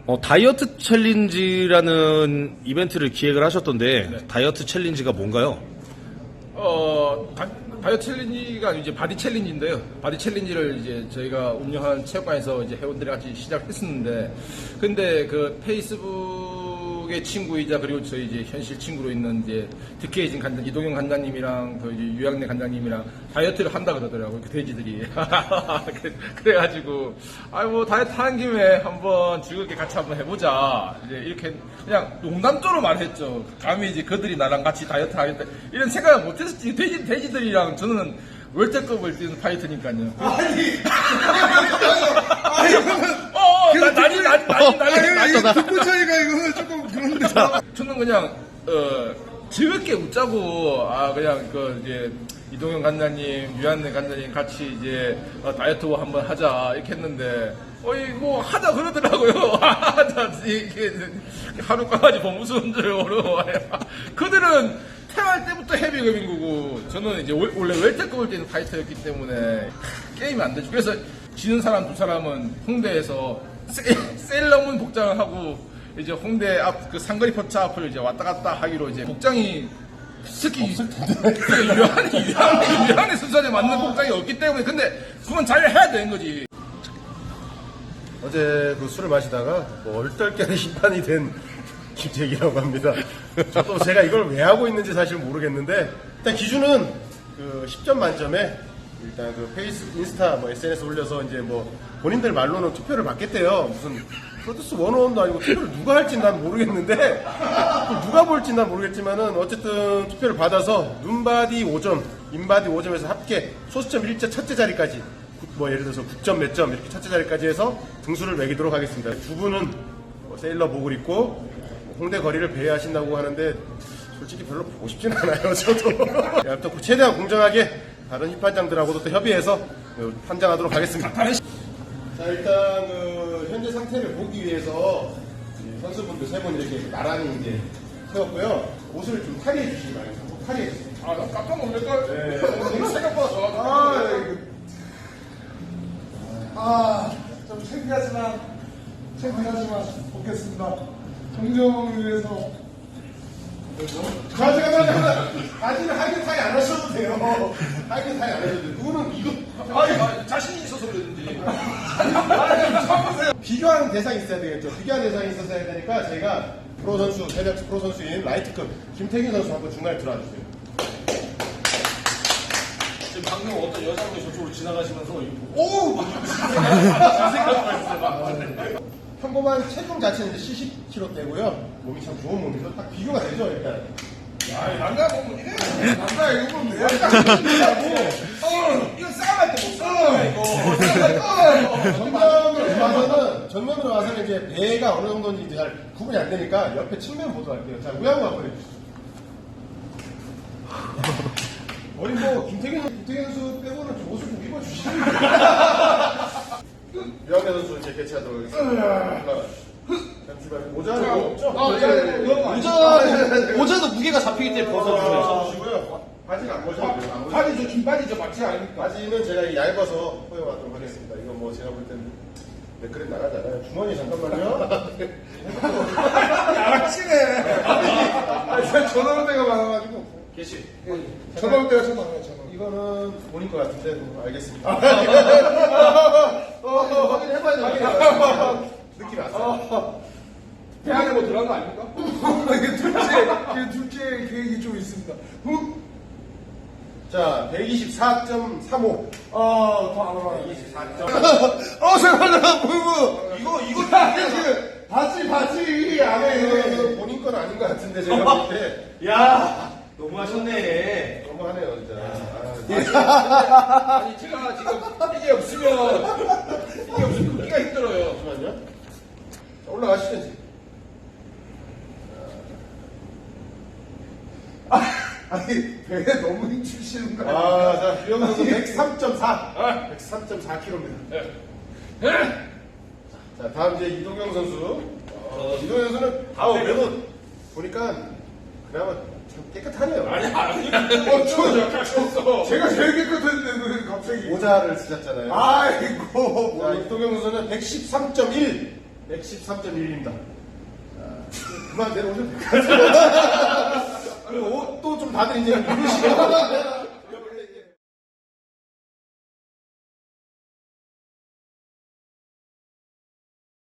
다이어트 챌린지라는 이벤트를 기획을 하셨던데 네. 다이어트 챌린지가 뭔가요? 다이어트 챌린지가 이제 바디 챌린지인데요. 바디 챌린지를 이제 저희가 운영한 체육관에서 이제 회원들이 같이 시작했었는데, 근데 그 페이스북의 친구이자 그리고 저희 이제 현실 친구로 있는 이제 득해진 간장, 이동영 간장님이랑 그 이제 유양래 간장님이랑 다이어트를 한다 그러더라고요. 그 돼지들이. 그래가지고, 뭐 다이어트 하는 김에 한번 즐겁게 같이 한번 해보자. 이제 이렇게 그냥 농담조로 말했죠. 감히 이제 그들이 나랑 같이 다이어트 하겠다. 이런 생각을 못했었지. 돼지들이랑 저는 월드컵을 뛰는 파이터니까요. 난리. 듣고 차이가 이거는 조금 그런데. 저는 그냥 즐겁게 웃자고 그냥 그 이제 이동영 간장님, 유한내 간장님 같이 이제 다이어트 한번 하자 이렇게 했는데 뭐 하자 그러더라고요. 하자 이게 하루 까지 범무수인 줄 어려워. 그들은 태어날 때부터 헤비급인 거고 저는 이제 원래 웰터급을 뛰는 파이터였기 때문에 게임이 안 되죠. 그래서 지는 사람 두 사람은 홍대에서 세일러문 복장을 하고 이제 홍대 앞 그 상거리 포차 앞을 이제 왔다 갔다 하기로 이제 복장이 특히 유한의 순서에 맞는 복장이 없기 때문에 근데 그건 잘 해야 되는 거지. 어제 그 술을 마시다가 뭐 얼떨결에 심판이 된 김태기라고 합니다. 저도 제가 이걸 왜 하고 있는지 사실 모르겠는데 일단 기준은 그 10점 만점에 일단 그 페이스북, 인스타, 뭐 SNS 올려서 이제 뭐 본인들 말로는 투표를 받겠대요. 무슨 프로듀스 101도 아니고 투표를 누가 할지 난 모르겠는데 누가 볼지 난 모르겠지만은 어쨌든 투표를 받아서 눈바디 5점, 인바디 5점에서 합계 소수점 1자 첫째 자리까지 뭐 예를 들어서 9점 몇 점 이렇게 첫째 자리까지 해서 등수를 매기도록 하겠습니다. 두 분은 뭐 세일러복을 입고 홍대 거리를 배회하신다고 하는데 솔직히 별로 보고 싶진 않아요. 저도. 아무튼 최대한 공정하게 다른 힙판장들하고도 또 협의해서 판장하도록 하겠습니다. 자, 일단 그 현재 상태를 보기 위해서 선수분들 세 분 이렇게 나란히 이제 세웠고요. 옷을 좀 탈의해 주시기 바랍니다. 꼭 탈의해 주세요. 나 깜짝 놀랄걸. 네. 생각보다 좋아. 좀 창피하지만 보겠습니다. 정정을 위해서. 잠깐만. 바지는 하이드 타이 안 하셔도 돼요. 하이드 타이 안 하셔도 돼요. 누구는 이거. 자신이 있어서 그러는지. 비교하는 대상이 있어야 되겠죠. 비교하는 대상이 있어야 되니까 제가 프로 선수, 세력스 프로 선수인 라이트급 김태균 선수 한번 중간에 들어와주세요. 지금 방금 어떤 여자분이 저쪽으로 지나가시면서 오! 평범한 체중 자체는 이제 70kg대고요. 몸이 참 좋은 몸이죠. 딱 비교가 되죠, 일단. 남자 보면 이래. 남자 이거 보면 돼요. 이거 싸움할 때 못 싸워 이거. 정면으로 와서는 이제 배가 어느 정도인지 이제 잘 구분이 안 되니까 옆에 측면 보도록 할게요. 자, 우양우 한번 해주시죠. 우리 뭐 김태균 선수 빼고는 좀 옷을 좀 입어주시면 유양래 선수 이제 개최하도록 하겠습니다. 잠시만요. 모자는 없죠? 모자도 무게가 잡히기 때문에 벗어주시고요. 바지는 안 벗어도 돼요. 바지 저 긴 바지 저 맞지 않습니까? 바지는 제가 얇아서 허용하도록 하겠습니다. 이건 뭐 제가 볼 때는 그래 나가잖아요. 주머니 잠깐만요. 양아치네. 제가 전화 올 때가 많아가지고. 계시. 전화 올 때가 참 많아요. 전화. 이거는 본인 것 같은데 알겠습니다. 확인해봐야 돼요. 느낌이 왔어요. 대학에 뭐 들어간 거 아닙니까? 이게 둘째 계획이 좀 있습니다. 자, 124.35. 더 안 와요. 124. 잠깐만요. 이거 바지 안에. 본인 건 아닌 것 같은데 제가 볼 때. 야 너무하셨네. 너무하네요 진짜. 아니 제가 지금 이게 없으면 걷기가 힘들어요. 잠시만요. 자, 올라가시죠 이제. 아니 배에 너무 힘주시는 거 아니에요? 자, 유영 선수 103.4. 103.4kg입니다. 자, 다음 이제 이동경 선수. 이동경 선수는 그래도 보니까 그나마 참 깨끗하네요. 아니 저 제가 제일 깨끗했는데 왜 갑자기 모자를 쓰셨잖아요. 아이고 자, 이동경 선수는 113.1. 113.1입니다. 그만 내려오셔도 될 것 같아요. 또 좀 다들 이제 이러시고